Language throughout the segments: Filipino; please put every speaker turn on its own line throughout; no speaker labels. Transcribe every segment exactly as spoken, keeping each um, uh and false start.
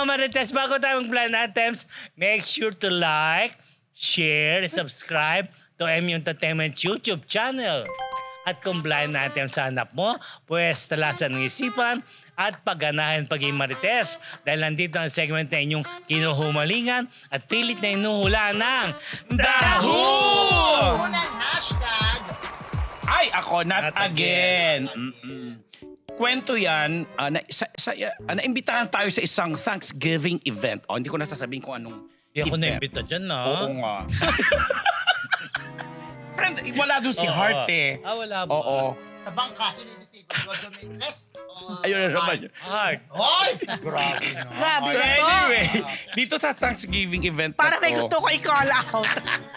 Marites, bago tayo mag-blind items, make sure to like, share, subscribe to M U Entertainment YouTube channel. At kung blind item sa hanap mo, pues talasan ng isipan at pagganahan paging Marites. Dahil nandito ang segment na inyong kinuhumalingan at pilit na inuhula ng Dahu!
Unang hashtag.
Ay, ako, not,
Not
again. Mm-mm. Kwento yan, uh, na, sa, sa, uh, naimbitahan tayo sa isang Thanksgiving event. Oh, hindi ko na sasabihin kung anong
Hindi ako
event.
na-imbita dyan, no?
Oo nga. Friend, wala doon si
Oo.
Heart eh.
Ah, wala ba?
Oo.
Sa bangka, sino si Steve Roger Mendes?
Ayun na naman yun.
Heart.
Hoy! Grabe na.
Grabe
So
na to.
anyway, dito sa Thanksgiving event
Para
na
may
to,
gusto ko i-call out.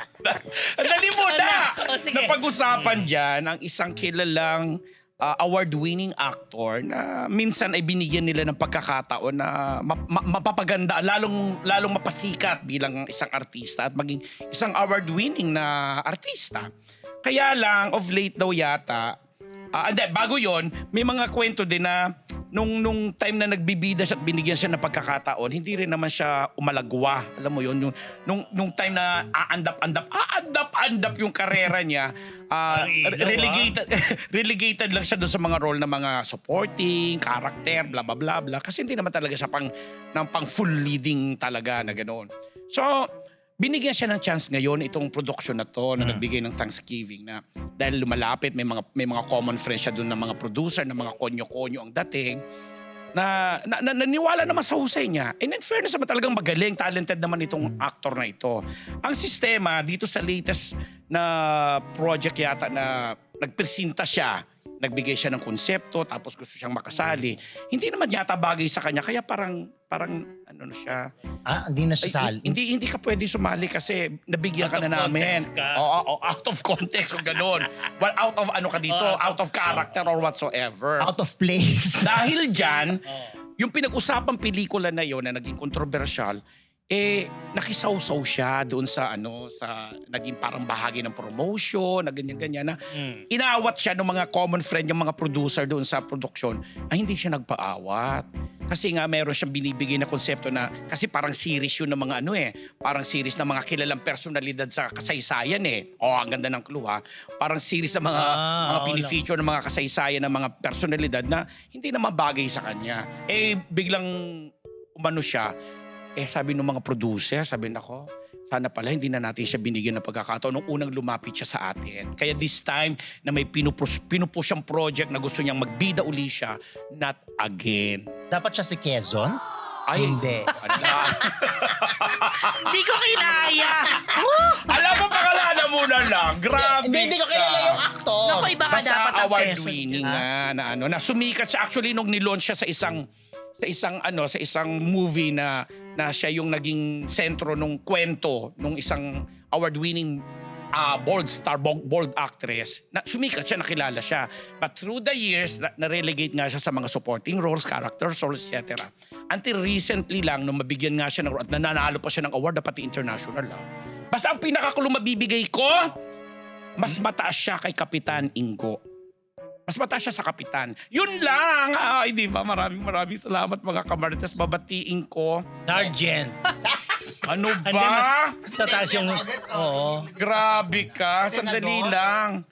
dali mo na!
Oh, sige.
Napag-usapan dyan ang isang kilalang uh, award-winning actor na minsan ay binigyan nila ng pagkakataon na ma- ma- mapapaganda, lalong, lalong mapasikat bilang isang artista at maging isang award-winning na artista. Kaya lang, of late daw yata, Ah, hindi, bago yon, may mga kwento din na nung, nung time na nagbibida siya at binigyan siya ng pagkakataon, hindi rin naman siya umalagwa. Alam mo yun, yung, nung, nung time na aandap-andap, aandap-andap yung karera niya, ah,
Ang ilaw,
relegated, relegated lang siya doon sa mga role ng mga supporting, character, bla bla bla bla. Kasi hindi naman talaga siya pang, ng pang full leading talaga na ganoon. So, binigyan siya ng chance ngayon itong production na to na
Hmm.
nagbigay ng Thanksgiving na dahil lumalapit may mga may mga common friends siya doon ng mga producer ng mga konyo-konyo ang dating na, na, na naniwala naman sa husay niya. And in fairness naman talagang magaling, talented naman itong actor na ito. Ang sistema dito sa latest na project yata na nagpresenta siya, nagbigay siya ng konsepto tapos gusto siyang makasali. Hindi naman yata bagay sa kanya kaya parang parang ano na siya.
Ah, hindi na
Ay,
siya sali.
hindi hindi ka pwede sumali kasi nabigyan
Out
ka na
of
namin.
context ka.
Oo, oo, out of context o ganun. Well, out of ano ka dito,
Oo,
out of character or whatsoever.
Out of place.
Dahil dyan, yung pinag-usapang pelikula na yon na naging controversial, eh nakisawsaw siya doon sa ano sa naging parang bahagi ng promotion na ganyan-ganyan na
Mm.
inaawat siya ng mga common friend yung mga producer doon sa production ay hindi siya nagpaawat kasi nga meron siyang binibigay na konsepto na kasi parang series yun ng mga ano eh parang series ng mga kilalang personalidad sa kasaysayan eh oh ang ganda ng clue ha parang series ng mga
Ah,
mga
oo
pinifeature ng mga kasaysayan ng mga personalidad na hindi naman bagay sa kanya eh biglang umano siya. Eh sabi ng mga producer, sabi nako, sana pala hindi na natin siya binigyan ng pagkakataon nung unang lumapit siya sa atin. Kaya this time na may pinupus, pinupus siyang project na gusto niyang magbida uli siya, not again.
Dapat siya si Quezon?
Ay,
Hindi.
ala.
Hindi ko kinaya.
Alam mo, pangalanan mo na lang. Grabe
Hindi, hindi ko
ka.
kilala yung aktor.
Naku, iba ka
Basta
dapat ang
award-winning
person.
nga na ano, na sumikat siya. Actually, nung nilaunch siya sa isang sa isang ano sa isang movie na na siya yung naging sentro nung kwento nung isang award-winning uh, bold star bold, bold actress na sumikat siya, nakilala siya, but through the years na, na-relegate nga siya sa mga supporting roles, character roles, et cetera. Until recently lang nung mabigyan nga siya ng at nananalo pa siya ng award na pati international lang. Basta ang pinakakulong mabibigay ko, mas mataas siya kay Kapitan Ingo. Mas mataas siya sa kapitan. Yun lang. Ay, di ba? Maraming maraming salamat mga kamarites. Babatiin ko.
Sergeant.
Ano
Hindi,
ba?
mas sa taas yung... Oo.
Grabe ka. Sandali lang.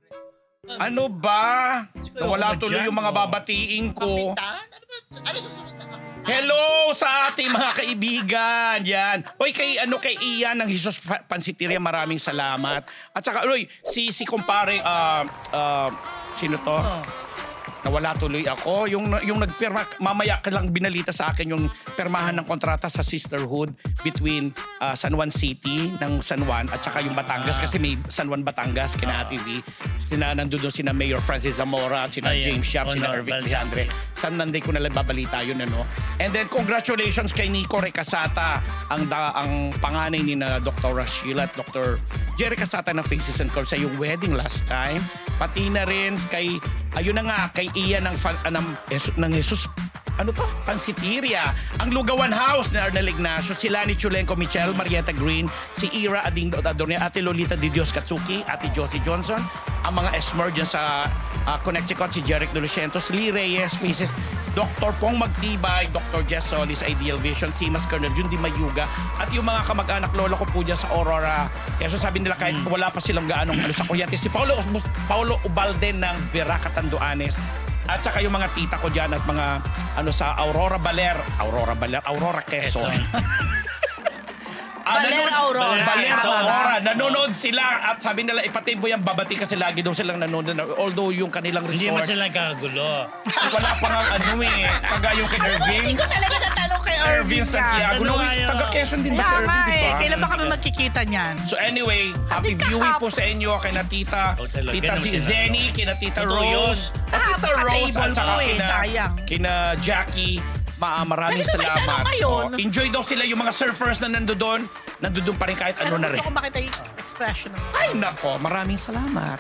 Ano ba? Nawala tuloy yung mga babatiin ko.
Kapitan? Ano ba? Ano susunod sa kapitan?
Hello sa ating mga kaibigan. Yan. Oy, kay ano kay Ian ng Jesus Pansiteria, maraming salamat. At saka, oy, si si kumpare uh, uh, sino to? Nawala tuloy ako. Yung yung nagpirma, mamaya ka lang binalita sa akin yung pirmahan ng kontrata sa sisterhood between uh, San Juan City ng San Juan at saka yung Batangas kasi may San Juan Batangas kina Ate V. Sina nandun doon sina Mayor Francis Zamora, sina
Ayan.
James Sharp, sina
Honorable.
Irvic Leandre. San nanday ko na lang babalita yun ano. And then congratulations kay Nico Recasata, ang da, ang panganay ni na Doctor Sheila at Doctor Jerry Casata ng Faces and Curves sa yung wedding last time. Pati na rin kay ayun na nga kay Ian ng fan, uh, ng, ng Jesus ano to? Pansiteria. Ang Lugawan House ni Arnel Ignacio, si Lani Chulenko, Michelle Marietta Green, si Ira Ading Adornia, Ate Lolita Di Dios Katsuki, Ate Josie Johnson, ang mga esmer dyan sa ah, Connecticut, si Jeric De Lucientos, Lee Reyes, Faces, Doctor Pong Magtibay, Doctor Jess Solis, Ideal Vision, Simas Colonel Jundi Mayuga, at yung mga kamag-anak lola ko po dyan sa Aurora. Kaya so sabi nila kahit wala pa silang gaanong ano sa kuryente, si Paulo, Paulo Ubalde ng Vera Catanduanes, at saka yung mga tita ko dyan at mga ano sa Aurora Baler, Aurora Baler, Aurora Quezon. Ah,
Baler
nanonood-
Aurora.
Baler
Tama.
Aurora. Nanonood sila at sabi nila ipatid mo yung babati kasi lagi daw silang nanonood. Although yung kanilang
Hindi mo
resort,
sila kagulo.
wala pa nga ano eh. Taga yung kay
Alam mo,
Irving.
hindi ko talaga natanong kay
Irving
Irving yan.
Santiago.
Ano
No,
nga yun?
taga Quezon din ba si
Kaya
Irving,
nga
di
eh.
ba?
Kailan ba kami magkikita niyan?
So anyway, happy
Hindi
viewing po
kahap-
sa inyo kay na tita,
Oh, talaga,
tita
ganun
si
din
Zenny,
ako.
kina tita
Totoo yun.
Rose, at
Ah,
tita Rose
magka-table
at saka
ko eh,
kina,
sayang.
kina Jackie. Ma maraming
Pwede ba may
salamat.
tanong ngayon?
Oh, enjoy daw sila yung mga surfers na nando doon. Nando doon pa rin kahit
Pero
ano na rin.
gusto ko makita yung expression mo.
Ay nako, maraming salamat.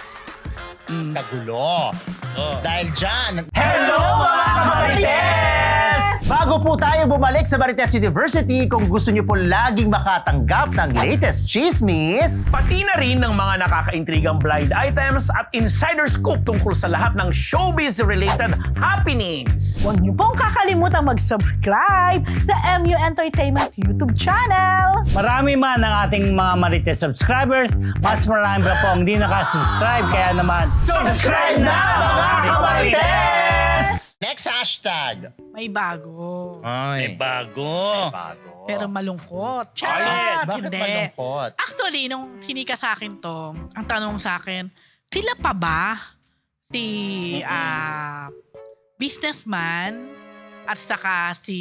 Kagulo.
Oh.
Dahil dyan,
Hello mga Marites! Bago po tayo bumalik sa Marites University, kung gusto niyo po laging makatanggap ng latest chismis, pati na rin ng mga nakakaintrigang blind items at insider scoop tungkol sa lahat ng showbiz-related happenings.
Huwag niyo pong kakalimutan mag-subscribe sa M U Entertainment YouTube channel.
Marami man ang ating mga Marites subscribers, mas marami pa po ang hindi nakasubscribe. Kaya naman,
Subscribe na mga Marites!
next hashtag.
May bago.
May
Ay,
bago.
bago.
Pero malungkot.
Ay,
Charot!
bakit
Hindi.
malungkot?
Actually, nung sinika sa akin to, ang tanong sa akin, sila pa ba si ah, businessman at saka si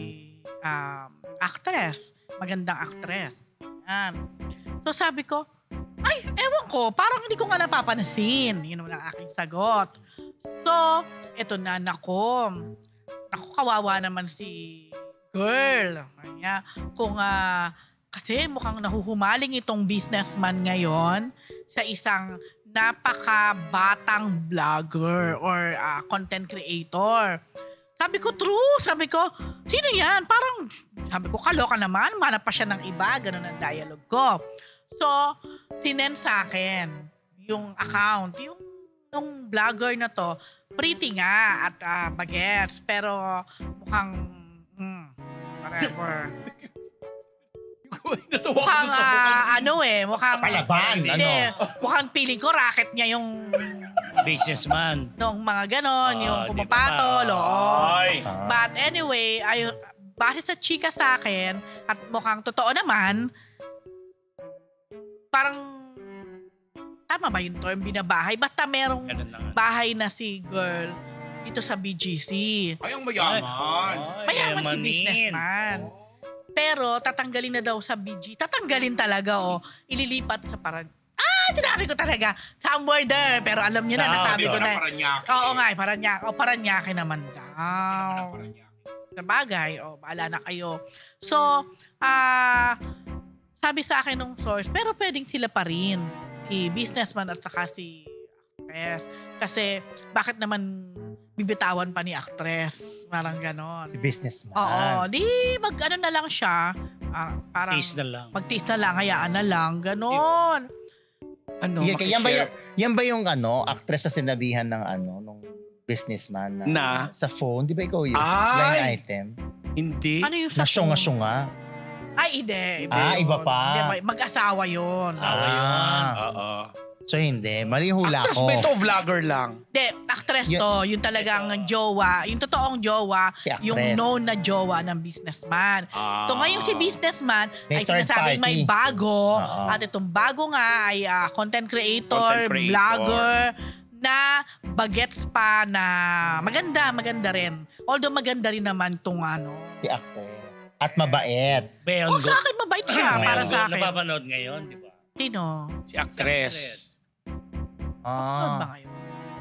um, actress? Magandang actress. Yan. So sabi ko, ay, ewan ko, parang hindi ko nga napapansin. Yun naman ang aking sagot. So, eto na, nako. Naku, kawawa naman si girl. Kanya, kung ah, kasi mukhang nahuhumaling itong businessman ngayon sa isang napaka-batang vlogger or ah, content creator. Sabi ko, true. Sabi ko, sino yan? Parang, sabi ko, kaloka naman. Manap pa siya ng iba. Ganun ang dialogue ko. So, tinend sa akin yung account. Yung nung vlogger na to, pretty nga at ah, bagets. Pero mukhang, mm, whatever. mukhang, ah, ano eh, mukhang,
Palaban,
hindi,
ano?
mukhang feeling ko racket niya yung,
Businessman.
nung mga ganon,
Ah,
yung
di ba
pumapatol,
ba?
oo.
Ay.
But anyway, ay, base sa chika sa akin, at mukhang totoo naman, parang, tama ba yung term binabahay? Basta merong
Ganun na nga.
bahay na si girl dito sa B G C.
Ay, ang mayaman.
Ay,
Mayaman si
yamanin.
businessman. Pero tatanggalin na daw sa B G. Tatanggalin talaga o ililipat sa parang ah, tinabi ko talaga. Somewhere there. Pero alam niyo na,
Sa-
nasabi ko na.
Paranaque.
Oo nga, eh, Paranaque. O, Paranaque naman daw. Sa bagay, o, baala na kayo. So, ah, sabi sa akin nung source, pero pwedeng sila pa rin. Si businessman at saka si actress. Kasi, bakit naman bibitawan pa ni actress? Parang ganon.
Si businessman.
Oo, di mag ano na lang siya. Ah, parang
Tease na lang.
magtiis na lang, hayaan na lang, ganon.
Ano,
Yan, yan, ba yung,
makishare?
yan ba yung ano, actress na sinabihan ng ano, nung businessman na,
Na?
sa phone? Di ba ikaw yun?
Ay!
Line item?
Hindi.
Ano yung sa
Na syunga-syunga.
Ay, hindi. iba
Ah,
yun.
iba pa.
Hindi, may- mag-asawa yun.
Asawa yun.
Oo.
So hindi, mali hula
Actress
ko.
ba ito o vlogger lang?
Hindi, actress
Yun-
to. Yung talagang jowa. Yung totoong jowa.
Si actress.
Yung known na jowa ng businessman.
Ah.
Ito ngayong si businessman
May
ay
third
sinasabing may
party.
bago.
Oo.
At itong bago nga ay ah, content creator,
Content creator.
vlogger, na bagets pa na maganda, maganda rin. Although maganda rin naman itong ano.
Si actress. At mabait.
Oh,
Beyon
sa akin mabait siya para sa akin.
Napapanood ngayon, di ba?
Sino?
Si actress.
Ano ba
Ah.
ngayon?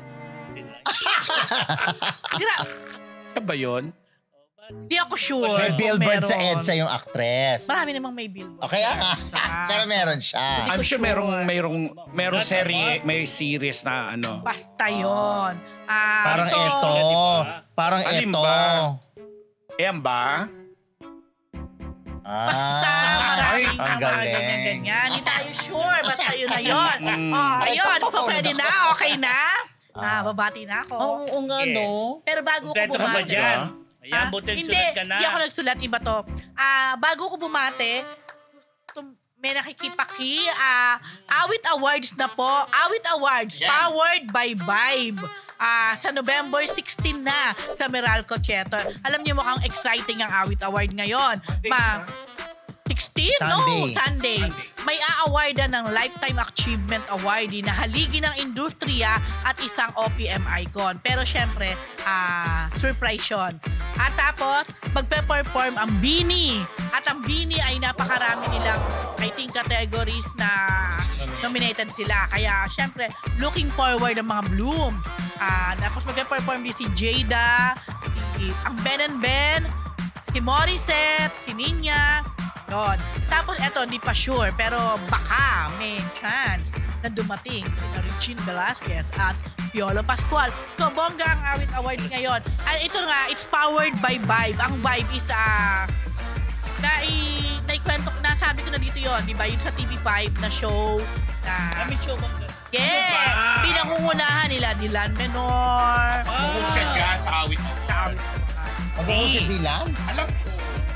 Gra-
Siya ba yun?
Di ako sure.
May
kung
billboard sa
meron.
EDSA yung actress.
Marami namang may billboard.
Okay, ah.
Sa-
Sana meron siya.
I'm sure
sure.
merong merong merong serie, may series na ano.
Basta yun. Ah,
Parang
so,
ito. Parang
Alin
ito.
ba? Ayan ba?
Basta
Ah,
maraming
ang
mga
galing.
ganyan-ganyan. Hindi tayo sure. Basta yun na yun.
Mm.
Oh,
Ay,
ayun.
ito pa,
So, pwede na? Okay na? Ah, babati na ako.
Oo, oo nga,
Yeah.
no?
Pero bago ko
Kompleto ka ba
bumati.
dyan? Ayan,
Ah,
buti
hindi,
sulat ka na.
hindi ako nagsulat. Iba to. Ah, bago ko bumate, tum- may nakikipaki. Ah, Awit Awards na po. Awit Awards. Powered by Vibe. Ah, sa November sixteen na sa Meralco Theater. Alam niyo mukhang exciting ang Awit Award ngayon. Ma sixteen? No,
Sunday.
Sunday. May a-awardan ng Lifetime Achievement Awardee na haligi ng industriya at isang O P M icon. Pero syempre, ah, surprise yun. At tapos, magpe-perform ang Bini. At ang Bini ay napakarami nilang, I think, categories na nominated sila. Kaya syempre, looking forward ang mga Blooms. Ah, tapos magpe-perform din si Jada, si, ang Ben and Ben, si Morissette, si Ninya. Yun. Tapos eto, hindi pa sure, pero baka may chance na dumating si Regine Velasquez at Piolo Pascual. So, bongga ang Awit Awards ngayon. At ito nga, it's powered by Vibe. Ang Vibe is, ah, nai, naikwento, nasabi ko na dito yon, di ba? Yun sa T V five na show na...
Kami show ba?
Yeah! Pinangungunahan nila Dylan Menor.
Bukod siya dyan sa awit.
Mag-uusap si Dylan?
Alam ko.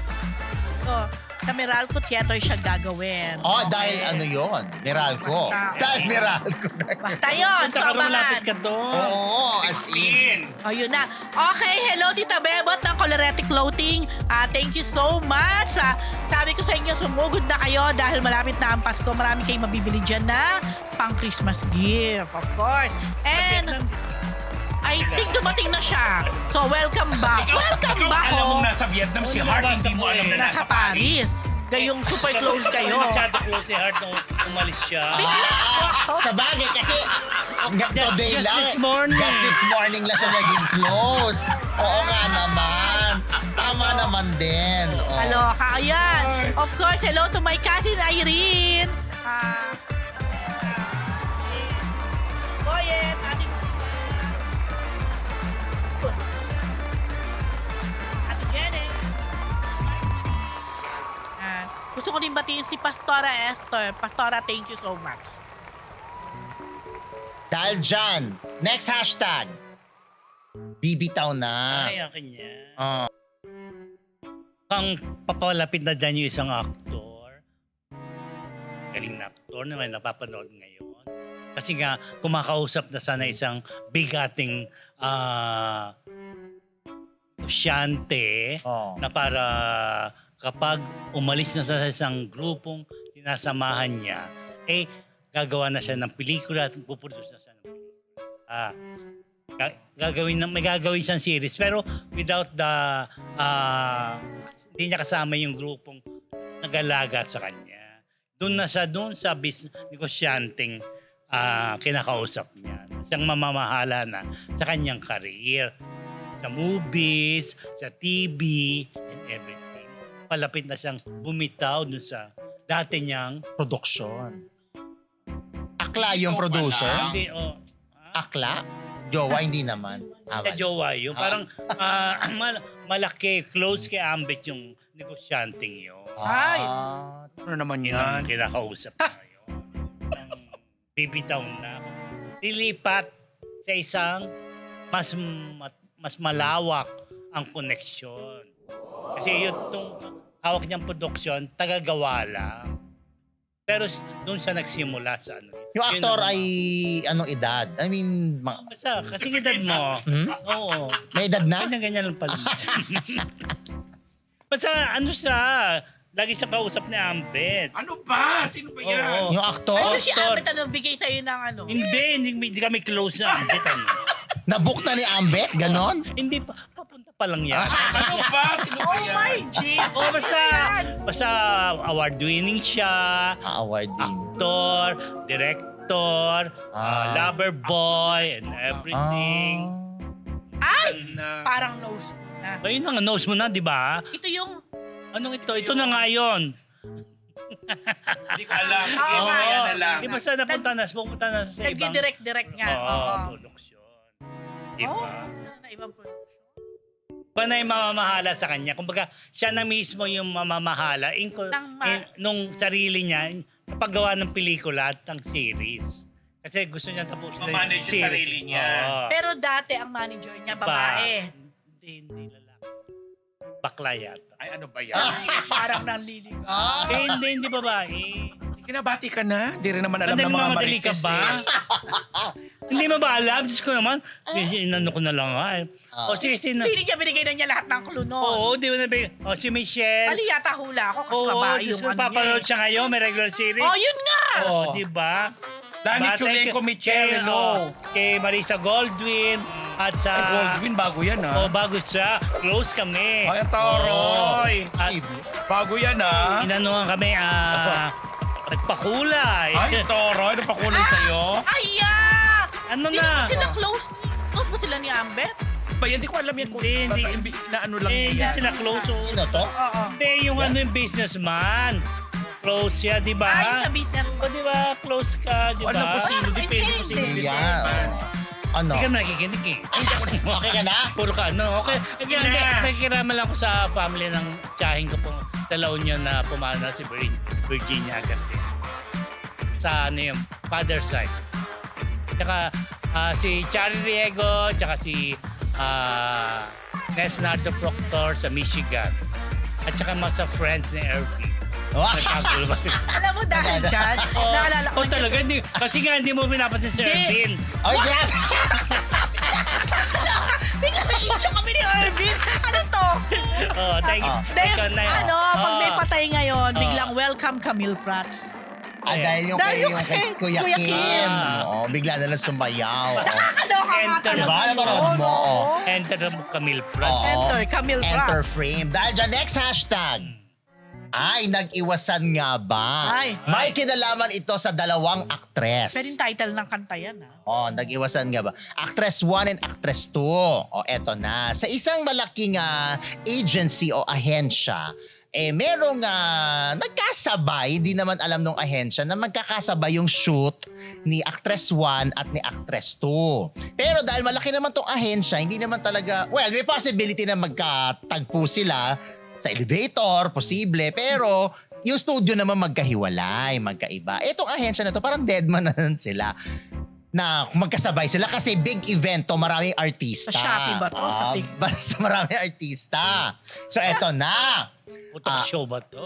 So, sa Meralco Theater siya gagawin.
Oh, dahil ano yon? Meralco.
Basta.
Dahil Meralco.
Basta yun,
Punta ka rin, malapit
sobangan.
ka doon.
Oo, as in.
In.
O, yun na. Okay, hello Tita Bebot ng Colorete Clothing. Ah, thank you so much. Ah, sabi ko sa inyo, sumugod na kayo dahil malapit na ang Pasko. Marami kayong mabibili dyan na pang Christmas gift, of course. And I think dumating na siya. So, welcome back. Welcome
ikaw
back,
alam
oh.
mong nasa Vietnam, si
Oo,
Hart
nabasa
hindi mo
ko
alam
eh.
na
Nasa Paris. Gayong super close kayo.
Hindi masyado close si Hart nung umalis siya.
Ah, sa bagay, kasi hanggang
Just-
today
just
lang.
this morning.
Just this morning lang siya naging close. Oo nga naman. Tama naman din. Oh.
Kaloka, ayan. Of course, hello to my cousin Irene. Ah, Boyet, ating Ate Jenny. Ah, gusto ko din batiin si Pastora Esther. Pastora, thank you so much.
Dahil dyan, next hashtag. Bibitaw na.
Ay, akin yan.
Oh.
Ang papalapit na dyan yung isang aktor. Galing na aktor na may napapanood ngayon. Kasi nga, kumakausap na sana isang bigating ah negosyante
Oh.
na para kapag umalis na sa isang grupong sinasamahan niya, eh, gagawa na siya ng pelikula at puproduce na siya ng pelikula. Ah, ga- gagawin na, may gagawin siyang series pero without the ah hindi niya kasama yung grupong nag-alaga sa kanya. Doon na siya doon sa business negosyanteng ah, kinakausap niya. Siyang mamamahala na sa kanyang career. Sa movies, sa T V, and everything. Palapit na siyang bumitaw doon sa dati niyang
Production. Akla yung
Ikaw
producer?
pala.
hindi, oh, ah,
Akla? Jowa, hindi naman. Ah,
sa
wala.
jowa yun. Parang ah, mal- malaki, close kay Ambit yung negosyanteng yun.
Ay!
Ah,
Ano naman
Yun ang
yan?
kinakausap na ngayon. Ang bibitaw na. Lilipat sa isang mas ma- mas malawak ang koneksyon. Kasi yun itong hawak niyang produksyon, tagagawa lang. Pero s- doon siya nagsimula sa ano.
yung
Yun
aktor
ang-
ay anong edad? I mean, ma-
Basta, kasi edad mo.
Hmm?
Oo.
may edad na?
Ganyan-ganyan lang pala. Basta ano siya, lagi siyang kausap ni Ambet.
Ano ba? Sino ba yan?
Oo.
Yung aktor?
Ano si
Actor.
Abet ano, bigay sa'yo ng ano?
Hindi, hindi, hindi kami close na Ambet. Ano.
Nabook na ni Ambet? Ganon?
Hindi pa, papunta pa lang yan.
Ano ba? Sino ba
Oh
yan?
my G!
Oh, basta, basta award-winning siya,
Ah, award din.
actor, director,
Ah.
uh, lover boy, and everything.
Ah.
Ay!
Na,
Parang nose ko na.
Ayun ang nose mo na, di ba?
Ito yung...
Anong ito? Ito na nga yun.
hindi ko alam. Sige,
Oo.
kaya na lang.
Di ba sa napunta na, pupunta na sa ibang...
Nagdi-direct-direct nga.
Oo,
Oo.
production. Di
Oh,
ba?
na ibang production.
Iba na yung mamamahala sa kanya. Kumbaga, siya na mismo yung mamamahala in,
Ng ma-
in, nung sarili niya in- sa paggawa ng pelikula at ng series. Kasi gusto niya tapusin na
Ma-manage yung sarili niya.
Oo.
Pero dati ang manager niya,
Ba-
babae.
Hindi, hindi lalaki. Bakla yata.
Ay, ano ba yan?
Parang nanlilig.
Ah,
Eh, hindi, hindi babae.
Sige na, bati ka na. Di rin naman alam
Madali
ng mga
mamadali ka
marites
ba?
eh.
Hindi mo ba alam? Diyos ko naman. Eh, Inano ko na lang nga eh. O sige, sino?
Piling niya, binigay na niya lahat ng clue noon.
Oo, di mo na ba? O si Michelle.
Mali yata hula ako kasi
Oo,
babae
Diyos
yung
ko,
ano
papanood
niya.
siya ngayon. May regular series.
Oh, yun nga!
Oo, di ba?
Dani
Ba,
Chulenko
thank you.
Michelle,
Kay,
hello.
oh, Kay Marisa Goldwyn. At sa...
Ay, Goldwyn, bago yan
Oh,
ah.
bago siya. Close kami.
Ay, ang toroy.
Oo. At
Bago yan ah.
inanuhan kami, ah... nagpakulay.
Ay, toroy. Ano pa kulay sa'yo?
Ay, ah!
Ano
Hindi
na?
ba sila close? Close ba sila ni Ambet?
Ba, hindi ko alam yan kung
Hindi, hindi.
basta imbis na ano lang
Eh, hindi
yan.
sila close. Oh.
sino to?
Oo.
Hindi, yung ano yung businessman. Close siya, di ba?
Ay, sa business.
O, di ba? Close ka, di ba?
Alam ko sino,
Ah,
depende kung sino
hindi.
yung
Yan.
businessman.
oh. Ano?
Hindi ka nakikinig eh.
Okay ka na?
Puro ka, ano? Okay. Kaya hindi,
Na.
nakikirama lang ko sa family ng tiyahing ko po sa La Union na pumana si Vir- Virginia kasi. Sa ano yung father side. Tsaka ah, si Charlie Riego, tsaka si uh, Nesnardo Proctor sa Michigan. At tsaka mga sa friends ni Erby. Nagkagulo ba?
Alam mo dahil dyan, naalala ko.
Oh, talaga. Hindi, kasi nga hindi mo pinapansin si
Hindi.
Ervin.
Ay, grabe!
Bigla may issue kami ni Irvin. Ano to?
Oh, thank you.
Dahil,
Ikaw na yun.
ano, pag may
Oh.
patay ngayon,
Oh.
biglang welcome Camille Prats.
Ah, dahil yung
Dahil
kay,
yung
yung kay
kay
Kuya,
Kuya
Kim.
Kim.
Oo, bigla na lang sumayaw. Oo.
Nakakaloka nga
Enter.
talaga.
Diba? Napanood
yun,
mo,
oo.
oh.
Enter mo Camille Prats.
Oo.
Enter, Camille Prats.
Enter frame. Dahil dyan, next hashtag. Ay, nag-iwasan nga ba?
Ay.
May kinalaman ito sa dalawang aktres.
Pero yung title ng kanta yan, ha?
Oh, nag-iwasan nga ba? Actress one and Actress two. O, eto na. Sa isang malaking ah, agency o ahensya, eh merong ah, nagkasabay, di naman alam nung ahensya, na magkakasabay yung shoot ni Actress one at ni Actress two. Pero dahil malaki naman tong ahensya, hindi naman talaga, well, may possibility na magkatagpo sila sa elevator, posible, pero yung studio naman magkahiwalay, magkaiba. Etong ahensya na to, parang deadman na lang sila na magkasabay sila kasi big event to, maraming artista.
Sa Shopee ba to? Sa
Ah,
Tik-
basta maraming artista. So eto na.
Putok show ba to?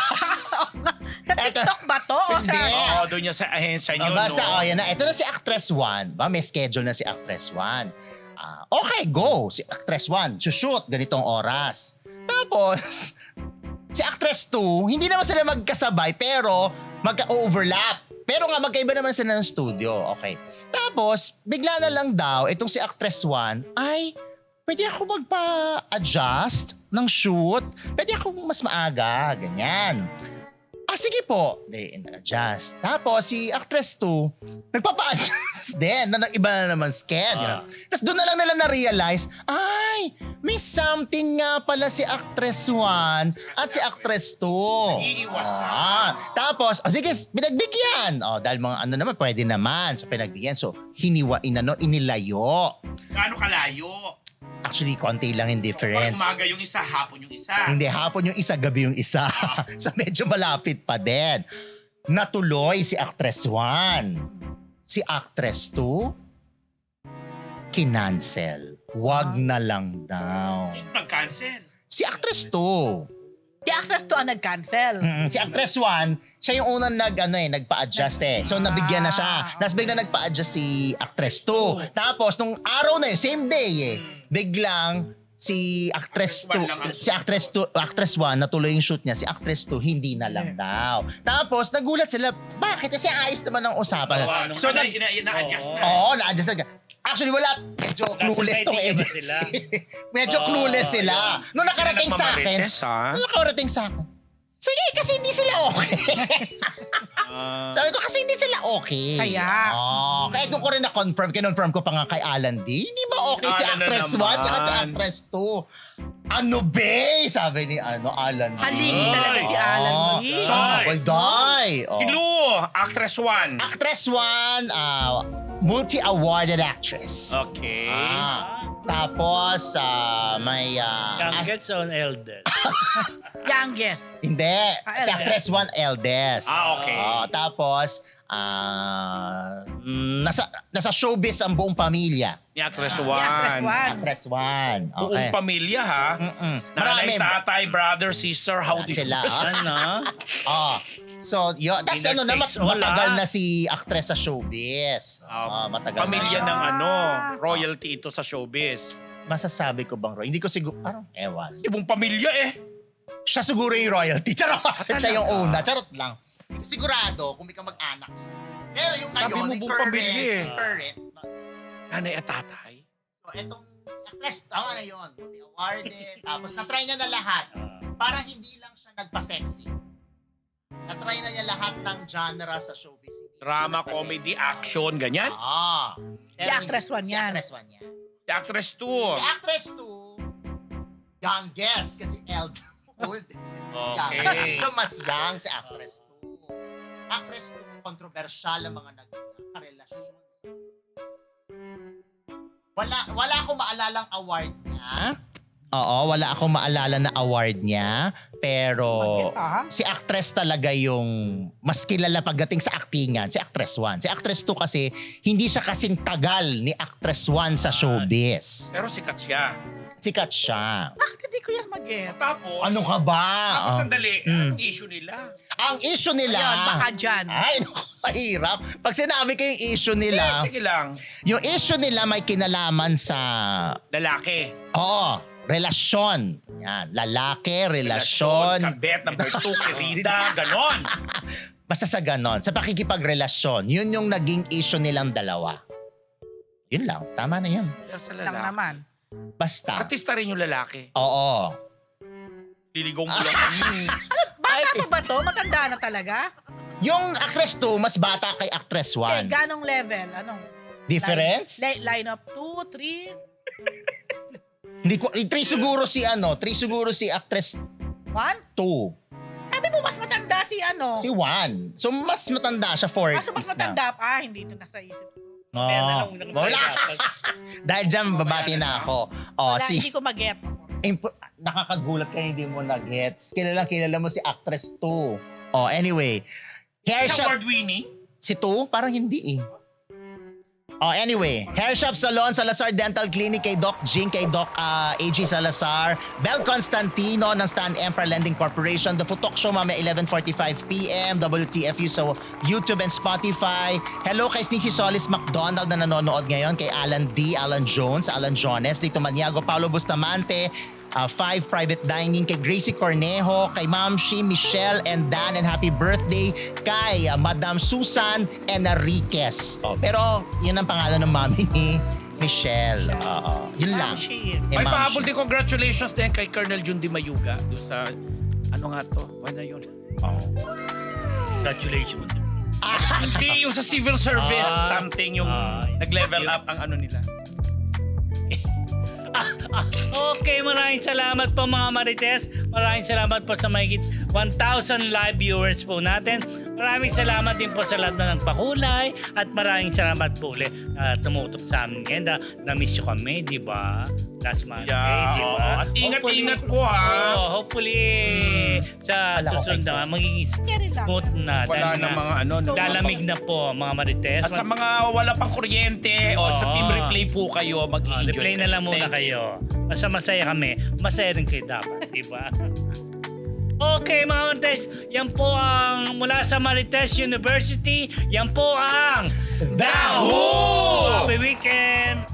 Sa TikTok ba to? O sa...
Hindi.
Oo, doon niya sa ahensya
Oh,
niyo,
basta,
no?
oh, yan na. Ito na si Actress one. Ba, may schedule na si Actress one. Ah, okay, go. Si Actress one, shoot ganitong oras. Tapos, si Actress two, hindi naman sila magkasabay pero magka-overlap. Pero nga, magkaiba naman sila ng studio. Okay. Tapos, bigla na lang daw, itong si Actress one, ay, pwede ako magpa-adjust ng shoot. Pwede ako mas maaga, ganyan. Ah, sige po. They adjust. Tapos si Actress two, nagpapa-adjust din na nag-iba na naman schedule.
Ah.
Tapos doon na lang nila na-realize, ay, may something nga pala si Actress one at si Actress two.
Iiwasan.
Ah, tapos, oh, sige, pinagbigyan. Oh, dahil mga ano naman, pwede naman. So, pinagbigyan. So, hiniwa, inano, inilayo.
Gaano kalayo?
Actually, konti lang yung
Pag
difference.
umaga yung isa, hapon yung isa.
Hindi, hapon yung isa, gabi yung isa. So medyo malapit pa din. Natuloy si Actress one. Si Actress two, kinancel. Wag na lang daw.
Sino nag-cancel?
Si Actress two.
Si Access to ang nag-cancel.
Mm, si Actress one, siya yung unang nag, ano eh, nagpa-adjust eh. So nabigyan na siya. Tapos bigla nagpa-adjust si Actress two. Tapos nung araw na yun, same day eh, biglang si Actress
Actress
two,
one lang ang
si Actress two, Actress one, natuloy yung shoot niya. Si Actress two, hindi na lang daw. Tapos nagulat sila, bakit? Kasi ayos naman ang usapan.
So,
So,
na,
nag,
ina, na-adjust na.
Oo, na-adjust na. Actually, wala. Medyo clueless tong
may idea ba
agency.
sila?
Medyo
Oo,
clueless sila. Nung nakarating sa akin,
nagmamarites, ha?
nung nakarating sa akin, sige, kasi hindi sila okay. Sabi ko, kasi hindi sila okay.
Kaya?
Oh, kaya doon ko rin na-confirm. Kinonfirm ko pa nga kay Alan D. Hindi ba okay si
Alan na
Actress
naman.
one tsaka si Actress two? Ano be? Sabi ni ano, Alan D.
Haligi talaga si Alan
Oh,
Lee.
So, well, die. Oh.
Kilo, Actress one.
Actress one, ah, multi-awarded actress.
Okay.
Ah. Tapos, ah, may... ah, ah,
Youngest on eldest.
Youngest.
hindi.
Ah,
Si
eldest.
actress one, eldest.
Ah, okay.
Ah, tapos, ah, mm, nasa, nasa showbiz ang buong pamilya.
Ni Actress
Actress
One.
one.
Actress one.
Buong
Okay.
pamilya ha.
Mm-mm.
Nanay,
Marami.
tatay, brother, sister, how do you...
Sila. ah.
Ano?
Ah. So, yun. Tapos
Winner
ano na, mat-
takes all,
matagal
ah.
na si actress sa showbiz.
Ah,
Ah, matagal
Pamilya
na.
ng
Ah.
ano, royalty ito sa showbiz.
Masasabi ko bang, Roy? Hindi ko siguro, parang ewan.
Ibang pamilya eh.
Siya siguro yung royalty. Charot. Siya yung una. Charot lang. Hindi ko sigurado kung may ka mag-anak siya. Pero yung
Sabi
ngayon,
mo
yung
buong
current,
pamilya eh.
current.
Nanay at tatay.
So, etong si actress, tama na yun. Multi-awarded. Tapos, na-try niya na lahat. Parang hindi lang siya nagpa-sexy. Na-try na niya lahat ng genre sa showbiz. Hindi
Drama,
siya nagpa-sexy.
comedy, action, ganyan.
Ah.
Si actress one
si
yan.
actress one yan.
Si Actress two.
Si actress two, youngest kasi eld old.
Okay.
So mas young si actress two. Actress two, kontrobersyal ang mga nagka-relasyon. Wala wala akong maalalang award niya. Oo, wala akong maalala na award niya. Pero
Bakit, ah?
si actress talaga yung mas kilala pagdating sa actingan. Si actress one. Si actress two kasi hindi siya kasing tagal ni actress one sa showbiz.
Pero sikat siya.
Sikat siya.
Bakit hindi ko yan mag-get?
Tapos,
Ano ka ba?
tapos
Ah.
sandali,
Mm.
anong issue nila?
Ang issue nila...
Ayun, baka dyan.
Ay, naku, mahirap. Pag sinabi ko yung issue
Eh,
nila,
sige lang.
yung issue nila may kinalaman sa...
Lalaki.
Oo, relasyon. Yan, lalaki, relasyon.
Kabet, number two, kirida, ganon.
Basta sa ganon, sa pakikipagrelasyon, yun yung naging issue nilang dalawa. Yun lang, tama na yun.
Kaya sa
Lang
lalaki.
naman.
Basta.
Artista rin yung lalaki.
Oo.
Liligaw mo lang. Mm.
Bata pa ba to? Matanda na talaga?
Yung actress two, mas bata kay actress
Eh,
one.
ganong level? Anong?
Difference?
Line, line up two, three,
Hindi ko, eh, three siguro si ano, three siguro si actress
one?
two.
Sabi mo, mas matanda si ano?
Si one. So, mas matanda siya, forties
Kaso mas
na.
matanda pa. Ah, hindi ito nasa isip ko.
Kaya na
Oh,
lang,
wala. Dahil dyan, babati na ako. Oh,
Wala,
si,
hindi ko mag-get.
imp- nakakagulat ka hindi mo na gets. Kilala kilala mo si actress two. Oh, anyway. Hair shop,
Award winning.
si two? Parang hindi eh. Oh, anyway. Hair Shop Salon, Salazar Dental Clinic kay Doc Jing, kay Doc uh, A G Salazar. Bel Constantino ng Stan Emperor Lending Corporation. The Futok Show, mamaya eleven forty-five p.m. W T F U sa YouTube and Spotify. Hello kay Sneaky Solis McDonald na nanonood ngayon. Kay Alan D, Alan Jones, Alan Jones, Lito Maniago, Paulo Bustamante. Uh, five Private Dining kay Gracie Cornejo, kay Ma'am Shi, Michelle, and Dan, and happy birthday kay uh, Madam Susan Enriquez. Oh, pero yun ang pangalan ng mami ni Michelle. Oo. Yun lang.
Ma'am Shi.
Kay
May
Ma'am
pahabol
Shi.
din congratulations din kay Colonel Jun Di Mayuga. Doon sa, ano nga to? Ano na yun?
Congratulations.
Hindi, yung sa civil service,
Ah.
something yung
Ah.
nag-level up ang ano nila.
Okay, maraming salamat po mga Marites. Maraming salamat po sa mahigit one thousand live viewers po natin. Maraming salamat din po sa lahat na nagpakulay at maraming salamat po ulit na tumutok sa amin ngayon. Na, na-miss nyo kami, di ba? Last Monday,
Yeah,
di
oo.
ba?
At ingat-ingat
Hopefully-
po, ha?
Oo, hopefully sa
Wala ko
susunod
kayo.
na magiging
Carry lang.
smooth na.
Wala
dahil
na
nga,
mga ano. no?
lalamig na po mga Marites.
At sa mga wala pang kuryente o sa
Oo.
team replay po kayo,
Oh,
mag-enjoy.
replay na lang muna
Thank you.
kayo. Basta masaya kami, masaya rin kayo dapat, di ba? Okay mga Marites, yan po ang mula sa Marites University, yan po ang
The Who!
Happy weekend!